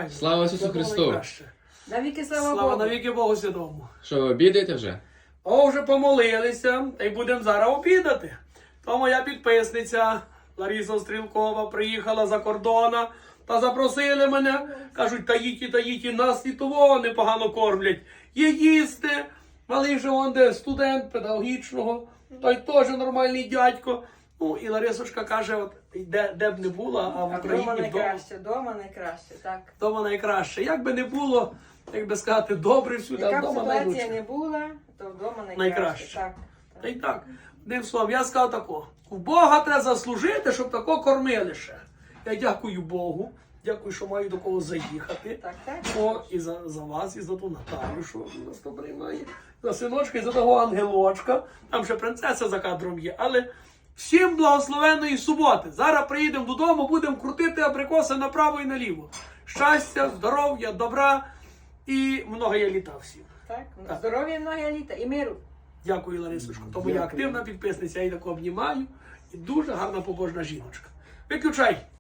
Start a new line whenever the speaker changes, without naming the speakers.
файно.
Слава Ісусу
Це було
Христу!
найкраще.
Навіки слава
Слава
Богу.
навіки Богу Святому.
Що, ви обідаєте вже?
О, вже помолилися, та й будемо зараз обідати. То моя підписниця Лариса Стрілкова приїхала за кордона та запросили мене. Кажуть, таїті, нас і того непогано кормлять. Є їсти. Малий же он де студент педагогічного, той теж нормальний дядько. Ну і Ларисочка каже, от де б не була, а в
А
Україні
вдома
вдома.
найкраще, вдома найкраще, так.
Вдома найкраще. Як би не було, як би сказати, добре всюди, а
Яка б
вдома
ситуація
найлучше.
не була, то вдома найкраще.
Найкраще.
Так.
Та й так, одним словом, я сказав тако, в Бога треба заслужити, щоб тако кормили ще. Я дякую Богу, дякую, що маю до кого заїхати.
Так, так.
О, і за вас, і за ту Наталю, що нас то приймає. За синочка, і за того ангелочка. Там ще принцеса за кадром є. Але всім благословенної суботи. Зараз приїдемо додому, будемо крутити абрикоси направо і наліво. Щастя, здоров'я, добра і много я літа всім.
Так.
Так.
Здоров'я, многі літа і миру.
Дякую, Ларисочко. Тому я активна підписниця, я її таку обнімаю. І дуже гарна побожна жіночка. Виключай!